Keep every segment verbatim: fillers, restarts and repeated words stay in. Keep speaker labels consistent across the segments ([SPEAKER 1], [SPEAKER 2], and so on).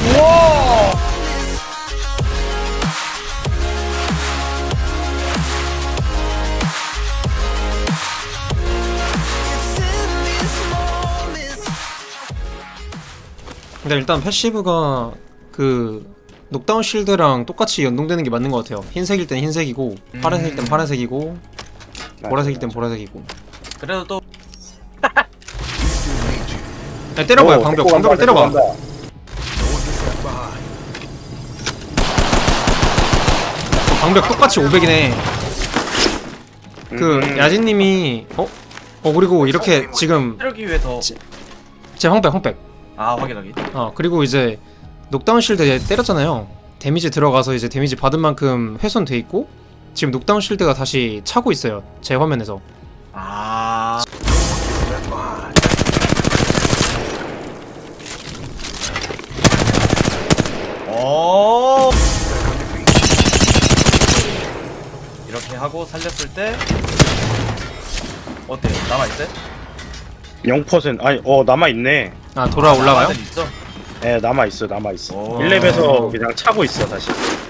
[SPEAKER 1] 우와.
[SPEAKER 2] 근데 일단 패시브가 그 녹다운 실드랑 똑같이 연동되는 게 맞는 것 같아요. 흰색일 땐 흰색이고
[SPEAKER 1] 음.
[SPEAKER 2] 파란색일 땐 파란색이고 보라색일 땐 보라색이고.
[SPEAKER 1] 그래도 또
[SPEAKER 2] 야, 때려봐요.
[SPEAKER 3] 오,
[SPEAKER 2] 방벽
[SPEAKER 3] 데리고
[SPEAKER 2] 방벽을
[SPEAKER 3] 간다,
[SPEAKER 2] 때려봐.
[SPEAKER 3] 데리고 간다.
[SPEAKER 2] 방벽 똑같이 오백이네. 그
[SPEAKER 3] 음.
[SPEAKER 2] 야진님이 어? 어 그리고 이렇게 지금
[SPEAKER 1] 때리기 위해 더.
[SPEAKER 2] 지- 제 황백 황백.
[SPEAKER 1] 아 확인 확인.
[SPEAKER 2] 어 그리고 이제 녹다운 실드 때렸잖아요. 데미지 들어가서 이제 데미지 받은 만큼 훼손돼 있고 지금 녹다운 실드가 다시 차고 있어요. 제 화면에서.
[SPEAKER 1] 아. 오. 이렇게 하고 살렸을 때 어때요? 남아 있어요?
[SPEAKER 3] 영 퍼센트 아니 어 남아있네.
[SPEAKER 2] 아 돌아 올라가요?
[SPEAKER 1] 있어.
[SPEAKER 3] 예 남아있어 남아있어.
[SPEAKER 1] 오.
[SPEAKER 3] 일 렙에서 그냥 차고 있어 다시.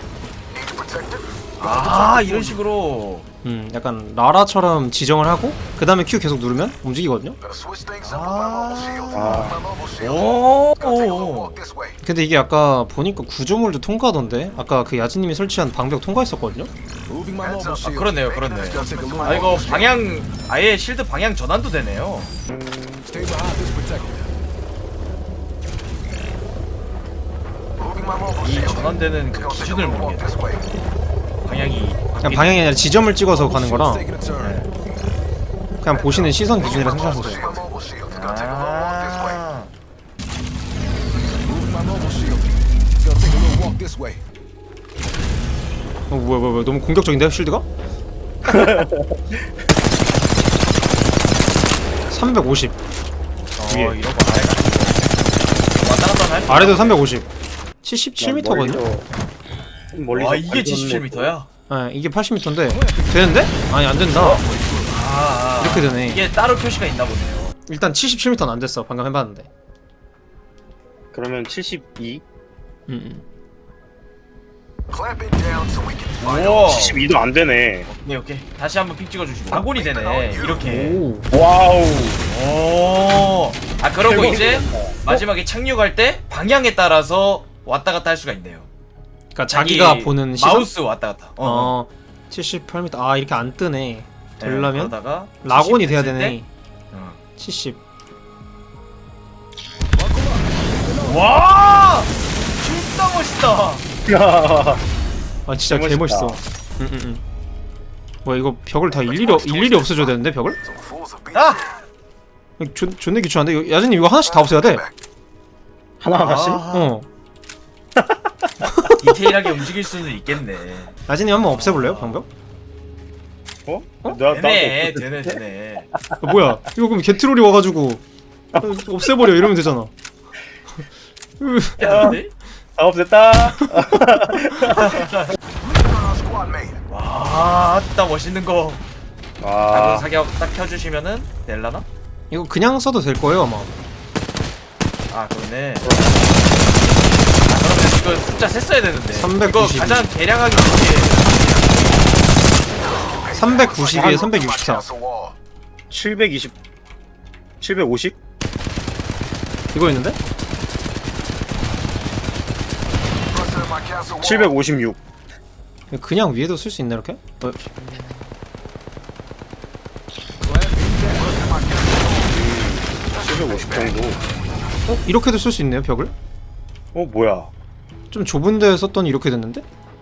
[SPEAKER 1] 아 이런 식으로.
[SPEAKER 2] 음 약간 라라처럼 지정을 하고 그 다음에 Q 계속 누르면 움직이거든요.
[SPEAKER 3] 아
[SPEAKER 1] 오.
[SPEAKER 2] 근데 이게 아까 보니까 구조물도 통과하던데 아까 그 야진님이 설치한 방벽 통과했었거든요.
[SPEAKER 1] 아 그렇네요 그렇네. 아 이거 방향 아예 실드 방향 전환도 되네요. 이 전환되는 그 기준을 모르겠네. 방향이
[SPEAKER 2] 그냥 방향이 아니라 지점을 찍어서 가는 거라 그냥 보시는 시선 기준이라 생각하면 돼요.
[SPEAKER 1] 아.
[SPEAKER 2] 어 뭐야 뭐야 뭐야 너무 공격적인데요 쉴드가? 삼백오십
[SPEAKER 1] 어
[SPEAKER 2] 위에.
[SPEAKER 1] 이런 거 아예 가지고 왔다 갔다 할.
[SPEAKER 2] 아래도 삼백오십 칠십칠 미터거든요?
[SPEAKER 3] 멀리서
[SPEAKER 1] 와 이게 칠십칠 미터야?
[SPEAKER 2] 네, 이게 팔십 미터인데 되는데? 아니 안 된다.
[SPEAKER 1] 아, 아
[SPEAKER 2] 이렇게 되네.
[SPEAKER 1] 이게 따로 표시가 있나 보네요.
[SPEAKER 2] 일단 칠십칠 미터는 안 됐어. 방금 해봤는데.
[SPEAKER 3] 그러면 칠십이?
[SPEAKER 2] 음, 음.
[SPEAKER 1] 오.
[SPEAKER 3] 칠십이도 안 되네.
[SPEAKER 1] 오케이 오케이 다시 한번 픽 찍어주시고 방골이 되네 이렇게.
[SPEAKER 2] 오.
[SPEAKER 3] 와우.
[SPEAKER 1] 오. 아 그러고
[SPEAKER 3] 대박이다.
[SPEAKER 1] 이제 마지막에 착륙할 때 방향에 따라서 왔다 갔다 할 수가 있네요.
[SPEAKER 2] 그러니까 자기가
[SPEAKER 1] 자기
[SPEAKER 2] 보는 시선?
[SPEAKER 1] 마우스 왔다 갔다. 어.
[SPEAKER 2] 어. 칠십팔 미터. 아 이렇게 안 뜨네. 되려면
[SPEAKER 1] 그러다가
[SPEAKER 2] 락온이
[SPEAKER 1] 칠십
[SPEAKER 2] 돼야
[SPEAKER 1] 됐을
[SPEAKER 2] 되네.
[SPEAKER 1] 때, 어.
[SPEAKER 2] 칠십.
[SPEAKER 1] 와! 진짜 멋있다.
[SPEAKER 2] 아 진짜
[SPEAKER 3] 개멋있다.
[SPEAKER 2] 개 멋있어. 음, 음, 음. 뭐야 이거 벽을 다 일일이 없- 일일이 없애줘야 되는데 벽을?
[SPEAKER 1] 아!
[SPEAKER 2] 존 존내 귀찮은데 이거- 야진님 이거 하나씩 다 없애야 돼.
[SPEAKER 3] 하나 하나씩?
[SPEAKER 1] 아,
[SPEAKER 2] 어.
[SPEAKER 1] 디테일하게 움직일 수는 있겠네.
[SPEAKER 2] 야진님 한번 없애볼래요 방벽?
[SPEAKER 3] 어?
[SPEAKER 2] 어?
[SPEAKER 3] 나
[SPEAKER 1] 되네,
[SPEAKER 3] 나도
[SPEAKER 1] 되네, 되네.
[SPEAKER 2] 아, 뭐야 이거 그럼 게트롤이 와가지고 어, 없애버려 이러면 되잖아.
[SPEAKER 1] 되는데?
[SPEAKER 3] 다 없앴다.
[SPEAKER 1] 와, 진짜 멋있는 거. 자군
[SPEAKER 3] 아
[SPEAKER 1] 사격 딱 켜주시면은 될라나?
[SPEAKER 2] 이거 그냥 써도 될 거예요 아마.
[SPEAKER 1] 아, 그러네. 아, 그러면 이거 숫자 셌어야 되는데.
[SPEAKER 2] 삼백구십이.
[SPEAKER 1] 이거 가장 계량하기 좋게.
[SPEAKER 2] 삼백구십이에 삼백육십사.
[SPEAKER 3] 칠백이십 칠백오십?
[SPEAKER 2] 이거 있는데?
[SPEAKER 3] 칠백오십육.
[SPEAKER 2] 이거 그냥 위에도 쓸 수 있나 이렇게? 어,
[SPEAKER 3] 칠백오십 정도.
[SPEAKER 2] 어? 이렇게도 쓸 수 있네요 벽을?
[SPEAKER 3] 어 뭐야?
[SPEAKER 2] 좀 좁은 데에 썼더니 이렇게 됐는데?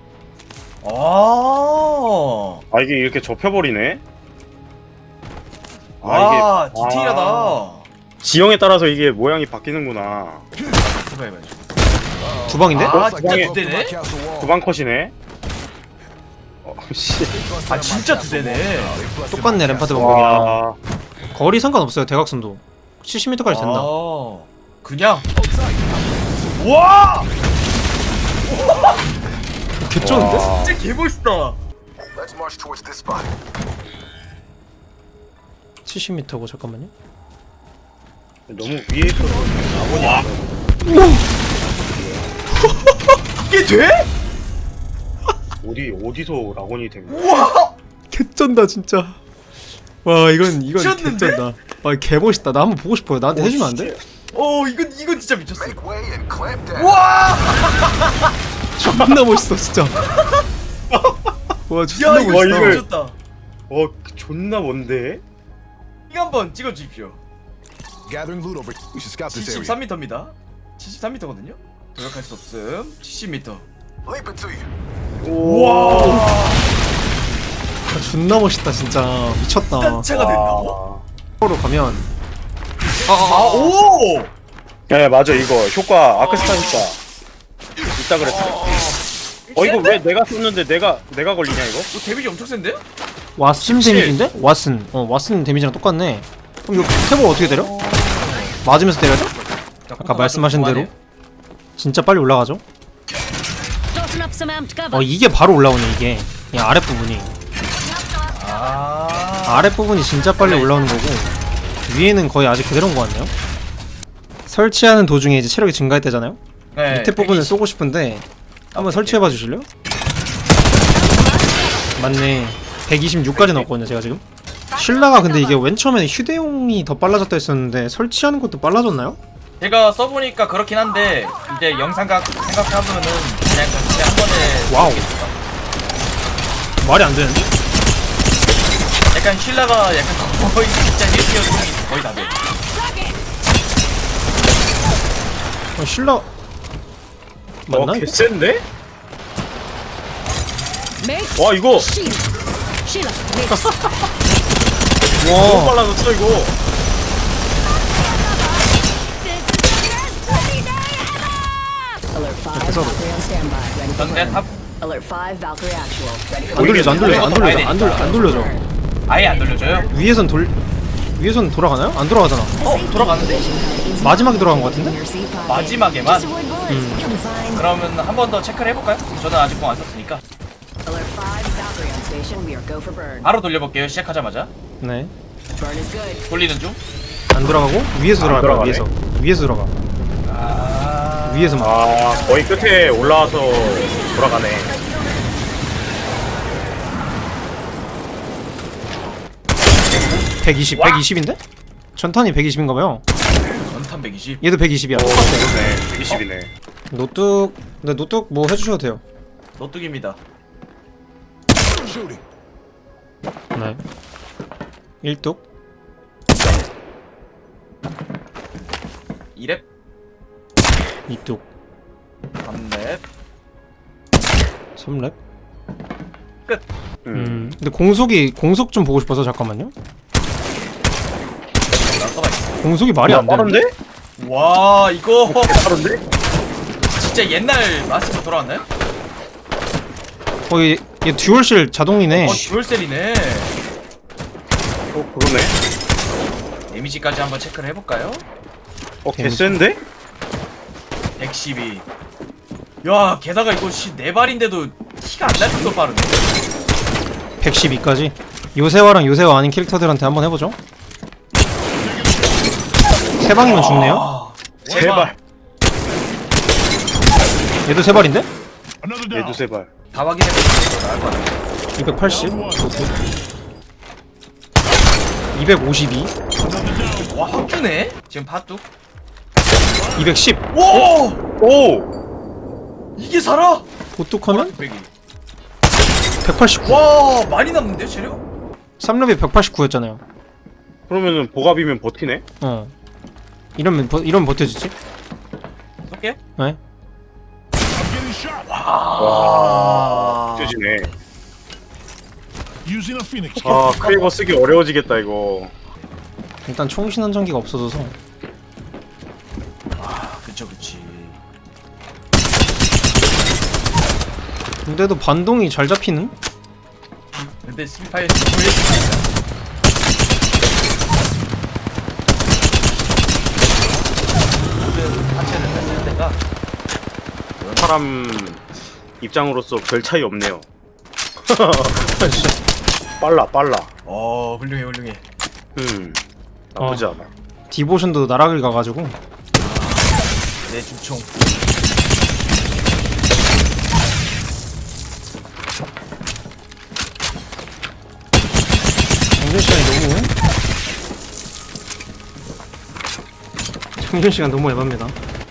[SPEAKER 1] 아,
[SPEAKER 3] 아 이게 이렇게 접혀버리네? 아
[SPEAKER 1] 와,
[SPEAKER 3] 이게
[SPEAKER 1] 디테일하다.
[SPEAKER 3] 아, 지형에 따라서 이게 모양이 바뀌는구나.
[SPEAKER 1] 해봐, 해봐.
[SPEAKER 2] 두 방인데?
[SPEAKER 1] 아,
[SPEAKER 3] 어?
[SPEAKER 1] 진짜
[SPEAKER 3] 방에-
[SPEAKER 1] 두 대네?
[SPEAKER 3] 두방 컷이네. 어 씨.
[SPEAKER 1] 아, 진짜 두 대네.
[SPEAKER 2] 똑같네 램파드 방법이랑.
[SPEAKER 3] 와.
[SPEAKER 2] 거리 상관없어요 대각선도. 칠십 미터까지 된다.
[SPEAKER 1] 아, 그냥. 와!
[SPEAKER 2] 개쩌는데?
[SPEAKER 3] 와.
[SPEAKER 1] 진짜 개멋있다.
[SPEAKER 2] 칠십 미터고 잠깐만요.
[SPEAKER 3] 너무 위에 있어서 나오냐?
[SPEAKER 1] 이게 돼?
[SPEAKER 3] 어디 어디서 라곤이 된 거야?
[SPEAKER 1] 우와!
[SPEAKER 2] 개쩐다 진짜. 와 이건 이건
[SPEAKER 1] 미쳤는데?
[SPEAKER 2] 개쩐다. 와 개멋있다. 나 한번 보고 싶어요. 나한테
[SPEAKER 3] 오,
[SPEAKER 2] 해주면 안 돼?
[SPEAKER 1] 어 이건 이건 진짜 미쳤어. 우와!
[SPEAKER 2] 존나 멋있어 진짜. 와 존나
[SPEAKER 1] 야 이거
[SPEAKER 3] 와,
[SPEAKER 1] 진짜
[SPEAKER 3] 이걸-
[SPEAKER 1] 미쳤다.
[SPEAKER 3] 어 존나 뭔데?
[SPEAKER 1] 이거 한번 찍어 주십시오.
[SPEAKER 4] Gathering loot over. We should scout this area.
[SPEAKER 1] 칠십삼 미터입니다. 칠십삼 미터거든요. 도약할 수 없음. 칠십 미터.
[SPEAKER 4] Leap it to you.
[SPEAKER 1] 우와!
[SPEAKER 2] 아, 존나 멋있다 진짜. 미쳤다.
[SPEAKER 1] 단차가 된다고?
[SPEAKER 2] 으로 가면
[SPEAKER 1] 아, 오!
[SPEAKER 3] 야 맞아 이거 효과 아크스타 효과 있다 그랬어. 어 이거 왜 내가 썼는데 내가 내가 걸리냐 이거?
[SPEAKER 1] 어, 데미지 엄청 센데?
[SPEAKER 2] 왓슨 데미지인데? 왓슨. 어 왓슨 데미지랑 똑같네. 그럼 이거 탭을 어떻게 때려? 맞으면서 때려야 돼? 아까 말씀하신 대로 진짜 빨리 올라가죠?
[SPEAKER 5] Tossing up some amped cover.
[SPEAKER 2] 어 이게 바로 올라오네 이게. 이 아랫부분이.
[SPEAKER 1] 아.
[SPEAKER 2] 아랫부분이 진짜 빨리 올라오는 거고 위에는 거의 아직 그대로인 것 같네요. 설치하는 도중에 이제 체력이 증가했대잖아요.
[SPEAKER 1] 네,
[SPEAKER 2] 밑에 부분을 쏘고 싶은데 한번
[SPEAKER 1] 오케이,
[SPEAKER 2] 설치해봐 주실래요? 맞네. 백이십육까지 넣었거든요 제가 지금. 신라가 근데 이게 맨 처음에는 휴대용이 더 빨라졌다 했었는데 설치하는 것도 빨라졌나요?
[SPEAKER 1] 제가 써보니까 그렇긴 한데 이제 영상각 생각하면은 그냥 그냥 한 번에
[SPEAKER 2] 와우. 말이 안 되는데?
[SPEAKER 1] 약간 신라가 약간 거의 진짜 일 티어 중이 거의 다 돼.
[SPEAKER 2] 어, 신라 맞나?
[SPEAKER 3] 어
[SPEAKER 2] 이거?
[SPEAKER 3] 개센데?
[SPEAKER 5] Mates.
[SPEAKER 3] 와 이거
[SPEAKER 5] Sheila. Sheila. Mates.
[SPEAKER 3] 너무
[SPEAKER 2] 와
[SPEAKER 3] 빨라졌어 이거.
[SPEAKER 5] Alert five.
[SPEAKER 2] Episode.
[SPEAKER 5] Valkyrie on standby. Ready for
[SPEAKER 1] 전대
[SPEAKER 5] burn.
[SPEAKER 1] 탑
[SPEAKER 5] Alert five. Valkyrie actual. Ready for
[SPEAKER 2] 안 돌려져 안 돌려져 안
[SPEAKER 1] 이것도
[SPEAKER 2] 돌려져
[SPEAKER 1] 봐야
[SPEAKER 2] 안 돌려 안 돌려져.
[SPEAKER 1] 아예 안 돌려줘요?
[SPEAKER 2] 위에선 돌 위에선 돌아가나요? 안 돌아가잖아.
[SPEAKER 1] 어 돌아가는데?
[SPEAKER 2] 마지막에 돌아간 것 같은데?
[SPEAKER 1] 마지막에만?
[SPEAKER 5] Just avoid bullets. You'll be fine.
[SPEAKER 1] 그러면 한 번 더 체크를 해볼까요? 저는 아직 공 안 썼으니까
[SPEAKER 5] Alert five. Valkyrie on station. We are go for burn.
[SPEAKER 1] 바로 돌려볼게요. 시작하자마자
[SPEAKER 2] 네.
[SPEAKER 5] Burn is good.
[SPEAKER 1] 돌리는 중.
[SPEAKER 2] 안 돌아가고 위에서
[SPEAKER 3] 안
[SPEAKER 2] 돌아갈 거야.
[SPEAKER 3] 돌아가네.
[SPEAKER 2] 위에서 위에서 돌아가.
[SPEAKER 1] 아
[SPEAKER 2] 위에서만.
[SPEAKER 3] 아 거의 끝에 올라와서 돌아가네.
[SPEAKER 2] 백이십 백이십인데? 전탄이 백이십인가 봐요.
[SPEAKER 1] 전탄 백이십.
[SPEAKER 2] 얘도 백이십이야.
[SPEAKER 3] 오 그러네. 백이십이네.
[SPEAKER 2] 노뚝 근데 노뚝 뭐 해주셔도 돼요.
[SPEAKER 1] 노뚝입니다.
[SPEAKER 4] Shooting.
[SPEAKER 2] 네. 일뚝
[SPEAKER 1] 이 렙,
[SPEAKER 2] 이뚝
[SPEAKER 1] 삼 렙,
[SPEAKER 2] 삼 렙.
[SPEAKER 1] 끝.
[SPEAKER 3] 음.
[SPEAKER 2] 음. 근데 공속이 공속 좀 보고 싶어서 잠깐만요.
[SPEAKER 1] 나서봐 있어.
[SPEAKER 2] 공속이 말이
[SPEAKER 3] 야,
[SPEAKER 2] 안 되는데?
[SPEAKER 3] 빠른데?
[SPEAKER 1] 와 이거
[SPEAKER 3] 빠른데?
[SPEAKER 1] 진짜 옛날 마스터 돌아왔나요?
[SPEAKER 2] 어, 얘, 얘 듀얼실 자동이네.
[SPEAKER 1] 어 듀얼셀이네.
[SPEAKER 3] 어 그러네.
[SPEAKER 1] 데미지까지 한번 체크를 해볼까요?
[SPEAKER 3] 어 개센데?
[SPEAKER 1] 백십이. 야 게다가 이거 씨, 네 발인데도 키가 안 날 정도로 빠르네.
[SPEAKER 2] 백십이까지. 요새화랑 요새화 아닌 캐릭터들한테 한번 해보죠. 세 방이면 죽네요.
[SPEAKER 1] 아,
[SPEAKER 3] 제발.
[SPEAKER 2] 얘도 세 발인데?
[SPEAKER 3] 얘도 제발.
[SPEAKER 1] 다 확인해보면 나을 것 같아.
[SPEAKER 2] 이백팔십. 이백오십이.
[SPEAKER 1] 와 확주네? 지금 팥뚝?
[SPEAKER 2] 이백십.
[SPEAKER 1] 오!
[SPEAKER 3] 오.
[SPEAKER 1] 이게 살아?
[SPEAKER 2] 보뚝하면
[SPEAKER 1] 백이.
[SPEAKER 2] 백팔십구.
[SPEAKER 1] 와 많이 남는데 체력?
[SPEAKER 2] 삼 렙이 백팔십구였잖아요.
[SPEAKER 3] 그러면은 보갑이면 버티네?
[SPEAKER 2] 어. 이러면 버, 이러면 버텨주지?
[SPEAKER 1] 쏠게요.
[SPEAKER 2] 네.
[SPEAKER 1] 와.
[SPEAKER 3] 쪄지네.
[SPEAKER 4] Using a phoenix.
[SPEAKER 3] 아 크레이버 쓰기 어려워지겠다 이거.
[SPEAKER 2] 일단 총신한 전기가 없어져서.
[SPEAKER 1] 아 그쵸 그치.
[SPEAKER 2] 근데도 반동이 잘 잡히는?
[SPEAKER 1] 근데 스피파이어 돌려주니까. 모든 하체를 했을 때가
[SPEAKER 3] 사람 입장으로서 별 차이 없네요. 빨라 빨라.
[SPEAKER 1] 어 훌륭해 훌륭해.
[SPEAKER 3] 음 나쁘지
[SPEAKER 2] 어.
[SPEAKER 3] 않아.
[SPEAKER 2] 디보션도 나락을 가가지고.
[SPEAKER 1] 내 중총.
[SPEAKER 2] 충전 시간이 너무 충전 시간 너무 에바입니다.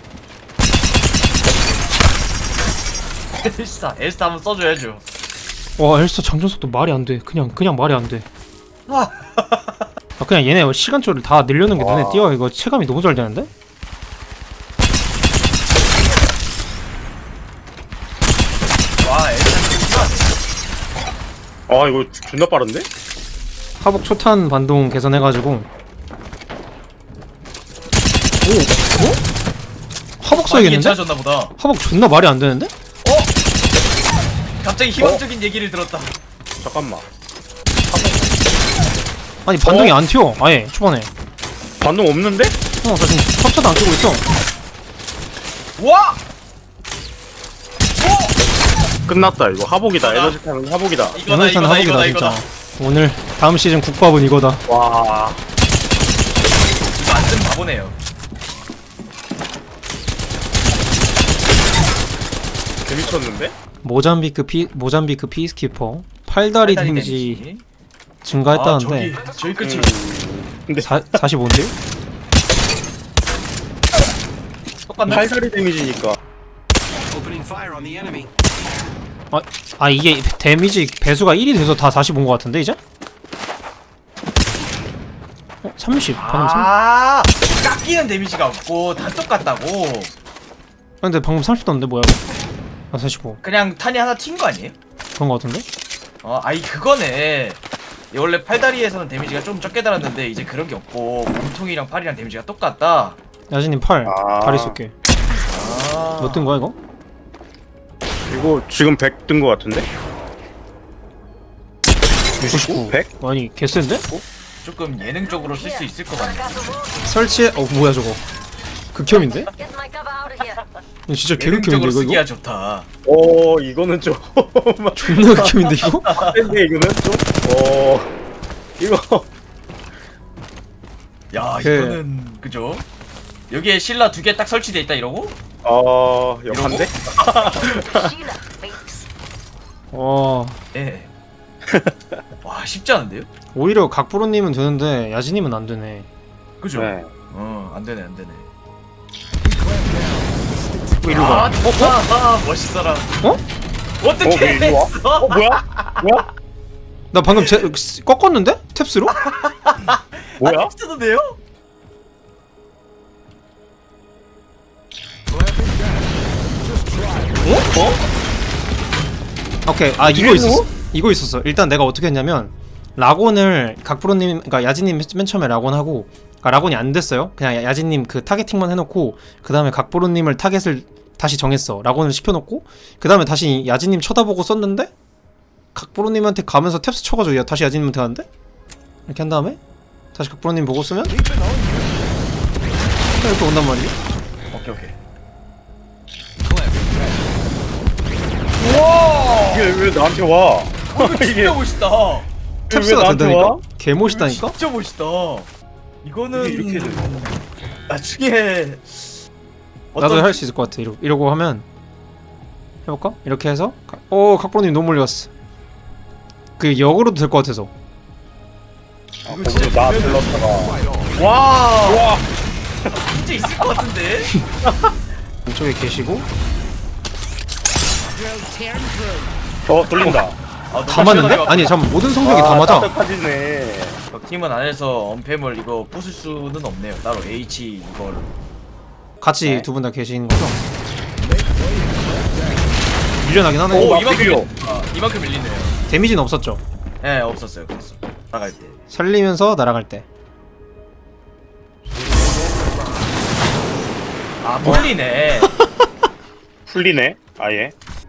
[SPEAKER 1] 엘사 엘사 한번 써줘야죠.
[SPEAKER 2] 와 엘사 장전 속도 말이 안 돼. 그냥 그냥 말이 안 돼.
[SPEAKER 1] 아.
[SPEAKER 2] 아 그냥 얘네 시간초를 다 늘려놓은 게 눈에
[SPEAKER 3] 와.
[SPEAKER 2] 띄어. 이거 체감이 너무 잘 되는데?
[SPEAKER 1] 와 엘사
[SPEAKER 3] 아 이거 존나 빠른데?
[SPEAKER 2] 하복 초탄 반동 개선해가지고. 오, 어? 하복 써야겠는데?
[SPEAKER 1] 괜찮아졌나 보다.
[SPEAKER 2] 하복 존나 말이 안 되는데?
[SPEAKER 1] 갑자기 희망적인 얘기를 들었다.
[SPEAKER 3] 잠깐만.
[SPEAKER 2] 아니 반동이
[SPEAKER 3] 어?
[SPEAKER 2] 안 튀어. 아예 초반에.
[SPEAKER 3] 반동 없는데?
[SPEAKER 2] 어, 나 지금 탑차도 안 끼고 있어.
[SPEAKER 1] 와
[SPEAKER 3] 끝났다 이거. 하복이다.
[SPEAKER 1] 이거다.
[SPEAKER 3] 에너지 타는 하복이다.
[SPEAKER 1] 이거다
[SPEAKER 2] 에너지탄
[SPEAKER 1] 이거다
[SPEAKER 2] 하복이다
[SPEAKER 1] 이거다
[SPEAKER 2] 진짜.
[SPEAKER 1] 이거다.
[SPEAKER 2] 오늘 다음 시즌 국밥은 이거다.
[SPEAKER 3] 와.
[SPEAKER 1] 이거 안 쓰면 바보네요.
[SPEAKER 3] 재밌었는데?
[SPEAKER 2] 모잠비크 피 모잠비크 피스키퍼 팔다리
[SPEAKER 1] 팔다리
[SPEAKER 2] 데미지
[SPEAKER 1] 데미지.
[SPEAKER 2] 증가했다는데
[SPEAKER 1] 아, 저기 저기 끝이.
[SPEAKER 3] 근데
[SPEAKER 2] 사, 사십오인데요?
[SPEAKER 1] 똑같네.
[SPEAKER 3] 팔다리 데미지니까.
[SPEAKER 2] 아, 아 이게 데미지 배수가 일이 돼서 다 사십오인 것 같은데 이제? 어? 삼십 방금 삼십.
[SPEAKER 1] 아 깎이는 데미지가 없고 다 똑같다고.
[SPEAKER 2] 근데 방금 삼십 떴는데 뭐야 이거? 아 사십오
[SPEAKER 1] 그냥 탄이 하나 튄 거 아니에요?
[SPEAKER 2] 그런 것 같은데?
[SPEAKER 1] 어 아이 그거네. 이 원래 팔다리에서는 데미지가 좀 적게 달았는데 이제 그런 게 없고 몸통이랑 팔이랑 데미지가 똑같다.
[SPEAKER 2] 야진님 팔
[SPEAKER 3] 아.
[SPEAKER 2] 다리 쏠게.
[SPEAKER 1] 아.
[SPEAKER 2] 몇 뜬 거야 이거?
[SPEAKER 3] 이거 지금 백 뜬 거 같은데?
[SPEAKER 2] 구십구
[SPEAKER 3] 백?
[SPEAKER 2] 아니 개센데?
[SPEAKER 1] 조금 예능적으로 쓸 수 있을 것 같네.
[SPEAKER 2] 설치해 어 뭐야 저거 극혐인데?
[SPEAKER 5] Get my cover out of here.
[SPEAKER 2] 이거 진짜 개극혐인데
[SPEAKER 1] 예능적으로
[SPEAKER 2] 이거
[SPEAKER 1] 쓰기야
[SPEAKER 2] 이거?
[SPEAKER 1] 좋다.
[SPEAKER 3] 오 이거는 좀.
[SPEAKER 2] 존나 극혐인데 이거?
[SPEAKER 3] 근데 이거는 좀. 오. 이거.
[SPEAKER 1] 야
[SPEAKER 2] 그-
[SPEAKER 1] 이거는 그죠? 여기에 신라 두 개 딱 설치돼 있다 이러고?
[SPEAKER 3] 어 역한데?
[SPEAKER 5] Sheila, babes.
[SPEAKER 2] 와
[SPEAKER 1] 예. 와 쉽지 않은데요?
[SPEAKER 2] 오히려 각프로님은 되는데 야진님은 안 되네.
[SPEAKER 1] 그죠?
[SPEAKER 3] 네.
[SPEAKER 1] 어안 되네 안 되네.
[SPEAKER 2] 어, 이리로 가.
[SPEAKER 1] 아, 아, 아 멋있어라.
[SPEAKER 2] 어?
[SPEAKER 3] 어,
[SPEAKER 1] 어떻게
[SPEAKER 3] 왜 이리 와?
[SPEAKER 1] 했어?
[SPEAKER 3] 어 뭐야? 뭐야?
[SPEAKER 2] 나 방금 제, 꺾었는데? 탭스로?
[SPEAKER 3] 뭐야?
[SPEAKER 1] 아, 써도 돼요?
[SPEAKER 2] 오케이 아 이거
[SPEAKER 3] 뒤에서?
[SPEAKER 2] 있었어 이거 있었어. 일단 내가 어떻게 했냐면 라곤을 각프로님 그니까 야진님 맨 처음에 라곤하고 그러니까 라곤이 안 됐어요. 그냥 야- 야진님 그 타겟팅만 해놓고 그 다음에 각프로님을 타겟을 다시 정했어. 라곤을 시켜놓고 그 다음에 다시 야진님 쳐다보고 썼는데 각프로님한테 가면서 탭스 쳐가지고 야, 다시 야진님한테 가는데 이렇게 한 다음에 다시 각프로님 보고 쓰면 이렇게 온단 말이야.
[SPEAKER 1] 오케이 오케이.
[SPEAKER 3] 이게 왜 나한테 와? 이게
[SPEAKER 1] 진짜 멋있다.
[SPEAKER 3] 왜
[SPEAKER 2] 탭스가
[SPEAKER 3] 나한테
[SPEAKER 2] 된다니까?
[SPEAKER 3] 와?
[SPEAKER 2] 개 멋있다니까?
[SPEAKER 1] 진짜 멋있다. 이거는
[SPEAKER 3] 이게 이렇게 되네.
[SPEAKER 1] 나중에
[SPEAKER 2] 나도 할 수 있을 것 같아. 이러, 이러고 하면 해볼까? 이렇게 해서 가- 오 각프로님 너무 멀리 갔어. 그 역으로도 될 것 같아서.
[SPEAKER 3] 아, 거기서 나 불렀다가.
[SPEAKER 1] 와
[SPEAKER 3] 와.
[SPEAKER 1] 진짜 있을 것 같은데.
[SPEAKER 2] 이쪽에 계시고
[SPEAKER 3] 어 돌린다.
[SPEAKER 1] 아,
[SPEAKER 2] 다 맞는데? 아니 잠깐 모든 성적이 다 맞아.
[SPEAKER 3] 따뜻하지네.
[SPEAKER 1] 팀은 안에서 언팸을 이거 부술 수는 없네요. 따로 H 이걸.
[SPEAKER 2] 같이
[SPEAKER 3] 네.
[SPEAKER 2] 두 분 다 계시는 거죠? 밀려나긴 하네.
[SPEAKER 1] 오
[SPEAKER 3] 오,
[SPEAKER 1] 이만큼
[SPEAKER 3] 앞뒤로.
[SPEAKER 1] 밀- 아, 이만큼 밀리네요.
[SPEAKER 2] 데미지는 없었죠.
[SPEAKER 1] 예 네, 없었어요. 없었어. 나갈 때.
[SPEAKER 2] 살리면서 날아갈 때.
[SPEAKER 1] 아 몰리네.
[SPEAKER 3] 풀리네. 아예.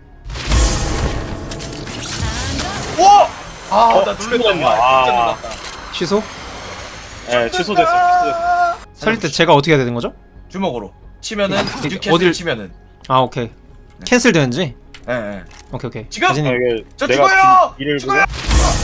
[SPEAKER 1] 오! 아나
[SPEAKER 3] 어,
[SPEAKER 1] 놀랬다.
[SPEAKER 3] 죽었네.
[SPEAKER 1] 와, 진짜
[SPEAKER 3] 아.
[SPEAKER 1] 놀랐다.
[SPEAKER 2] 취소?
[SPEAKER 3] 예 취소됐어. 취소됐어.
[SPEAKER 2] 살릴 때 제가 어떻게 해야 되는 거죠?
[SPEAKER 1] 주먹으로 치면은
[SPEAKER 2] 이게
[SPEAKER 1] 뉴캐슬
[SPEAKER 2] 어딜-
[SPEAKER 1] 치면은.
[SPEAKER 2] 아 오케이. 캔슬 되는지?
[SPEAKER 1] 예 예.
[SPEAKER 2] 오케이 오케이.
[SPEAKER 1] 지금!
[SPEAKER 3] 아,
[SPEAKER 2] 야진님,
[SPEAKER 3] 이게
[SPEAKER 1] 저
[SPEAKER 3] 내가
[SPEAKER 1] 죽어요!
[SPEAKER 3] 기- 일을 보고.
[SPEAKER 1] 죽어요!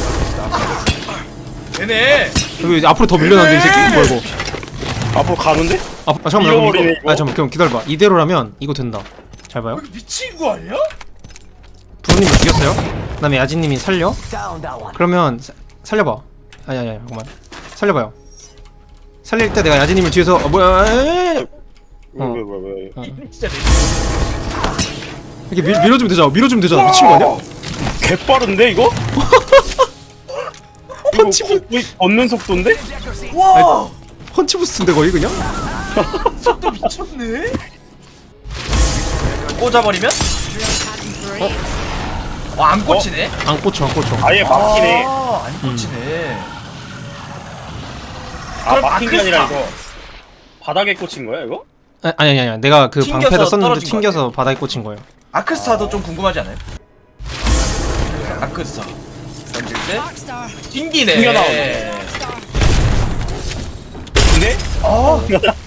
[SPEAKER 1] 되네.
[SPEAKER 2] 여기 앞으로 더 밀려나는데 이 새끼? 뭐야 이거?
[SPEAKER 3] 앞으로 가는데?
[SPEAKER 2] 아, 아 잠깐만 그럼
[SPEAKER 3] 잃어버리네,
[SPEAKER 2] 이거
[SPEAKER 3] 이거.
[SPEAKER 2] 아 잠깐만 그럼 기다려봐. 이대로라면 이거 된다. 잘 봐요.
[SPEAKER 1] 이거 미친 거 아니야?
[SPEAKER 2] 부모님을 죽였어요. 그 다음에 야진님이 살려. 그러면 사, 살려봐. 아니 아니 아니 잠깐만 살려봐요. 살릴 때 내가 야진님을 뒤에서 어, 뭐야 에이! 어.
[SPEAKER 3] 왜왜왜 왜, 왜.
[SPEAKER 1] 진짜 내
[SPEAKER 2] 이렇게 밀, 밀어주면 되잖아. 밀어주면 되잖아. 미친 거 아니야?
[SPEAKER 3] 개 빠른데 이거?
[SPEAKER 2] 펀치
[SPEAKER 3] 이거 거의 걷는 속도인데?
[SPEAKER 1] 와
[SPEAKER 2] 펀치 부스트인데 거의 그냥?
[SPEAKER 1] 속도 미쳤네. 꽂아버리면? 어? 안 꽂히네?
[SPEAKER 2] 안 꽂혀 안 꽂혀.
[SPEAKER 3] 아예 막히네.
[SPEAKER 1] 아, 안 꽂히네.
[SPEAKER 3] 아
[SPEAKER 1] 그럼
[SPEAKER 3] 막힌 게 아니라
[SPEAKER 1] 아크스타.
[SPEAKER 3] 이거 바닥에 꽂힌 거야 이거?
[SPEAKER 2] 아, 아니 아니 아니 내가 그
[SPEAKER 1] 튕겨서
[SPEAKER 2] 방패를 썼는데
[SPEAKER 1] 떨어진 거
[SPEAKER 2] 튕겨서 바닥에 꽂힌 거예요.
[SPEAKER 1] 아크스타도 좀 궁금하지 않아요? 아크스타 던질 때 튕기네.
[SPEAKER 3] 튕겨 나오네. 근데?
[SPEAKER 1] 어.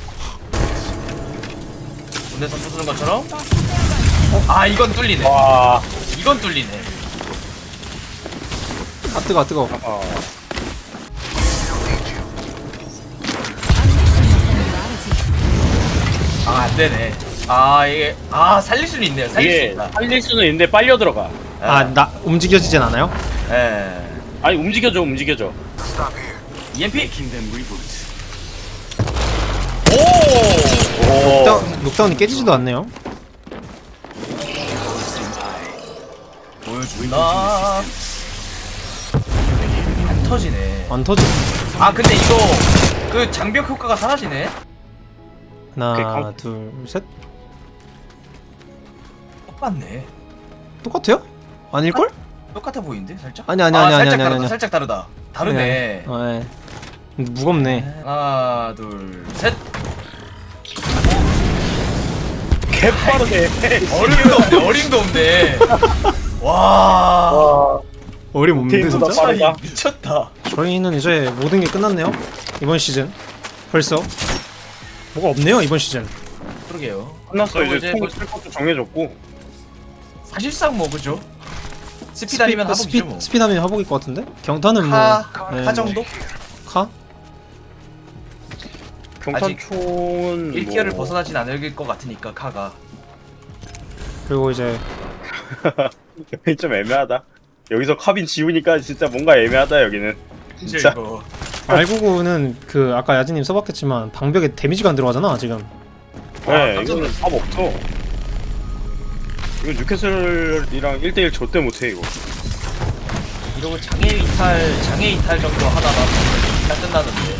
[SPEAKER 1] 군대에서 부수는 것처럼? 아 이건 뚫리네.
[SPEAKER 3] 와.
[SPEAKER 1] 이건 뚫리네.
[SPEAKER 2] 아 뜨거 아 뜨거.
[SPEAKER 3] 어.
[SPEAKER 1] 아 안되네. 아 이게 아 살릴 수는 있네요. 살릴 수
[SPEAKER 3] 이게
[SPEAKER 1] 있다.
[SPEAKER 3] 살릴 수는 있는데 빨려 들어가.
[SPEAKER 2] 아 나 움직여지진 않아요?
[SPEAKER 1] 예.
[SPEAKER 3] 아니 움직여줘 움직여줘.
[SPEAKER 4] Stop here.
[SPEAKER 1] 이엠피? 오!
[SPEAKER 3] 오.
[SPEAKER 2] 녹다운, 녹다운이 깨지지도 않네요.
[SPEAKER 1] 보여준다. 안 터지네.
[SPEAKER 2] 안 터지.
[SPEAKER 1] 아 근데 이거 그 장벽 효과가 사라지네.
[SPEAKER 2] 하나
[SPEAKER 3] 강-
[SPEAKER 2] 둘 셋.
[SPEAKER 1] 똑같네.
[SPEAKER 2] 똑같아요? 아닐걸?
[SPEAKER 1] 똑같아 보이는데 살짝?
[SPEAKER 2] 아니, 아니,
[SPEAKER 1] 아,
[SPEAKER 2] 아니, 아니,
[SPEAKER 1] 살짝
[SPEAKER 2] 아니,
[SPEAKER 1] 다르다.
[SPEAKER 2] 아니.
[SPEAKER 1] 살짝 다르다. 다르네.
[SPEAKER 2] 어, 예. 근데 무겁네.
[SPEAKER 1] 하나 둘 셋.
[SPEAKER 3] 개 빠르네.
[SPEAKER 1] 어림도 없네. 어림도 없네. 와.
[SPEAKER 3] 와.
[SPEAKER 2] 어림 없는데
[SPEAKER 3] 게임보다
[SPEAKER 2] 진짜?
[SPEAKER 3] 빠르다.
[SPEAKER 1] 아니, 미쳤다.
[SPEAKER 2] 저희는 이제 모든 게 끝났네요. 이번 시즌 벌써 뭐가 없네요 이번 시즌.
[SPEAKER 1] 그러게요.
[SPEAKER 3] 끝났어
[SPEAKER 1] 그리고
[SPEAKER 3] 이제
[SPEAKER 1] 이제
[SPEAKER 3] 총
[SPEAKER 1] 뭐
[SPEAKER 3] 쓸 것도 정해졌고.
[SPEAKER 1] 사실상 뭐 그죠? 스피드아니면 하복이죠
[SPEAKER 2] 스피,
[SPEAKER 1] 뭐.
[SPEAKER 2] 스피드하면 하복일 것 같은데? 경탄은 뭐
[SPEAKER 1] 카,
[SPEAKER 2] 네,
[SPEAKER 1] 카 정도?
[SPEAKER 2] 카?
[SPEAKER 3] 경탄총은
[SPEAKER 1] 일 티어를
[SPEAKER 3] 뭐...
[SPEAKER 1] 벗어나진 않을 것 같으니까 카가.
[SPEAKER 2] 그리고 이제
[SPEAKER 3] 여기 좀 애매하다. 여기서 카빈 지우니까 진짜 뭔가 애매하다 여기는.
[SPEAKER 1] 진짜
[SPEAKER 3] 진짜.
[SPEAKER 1] 이거.
[SPEAKER 2] 알구구는 그 아까 야진님 써봤겠지만 방벽에 데미지가 안 들어가잖아 지금.
[SPEAKER 3] 네,
[SPEAKER 1] 깜짝
[SPEAKER 3] 이거는 답 없어. 이거 뉴캐슬이랑 일 대일 절대 못해 이거.
[SPEAKER 1] 이러고 장애 이탈, 장애 이탈 정도 하다가 다 끝나는데.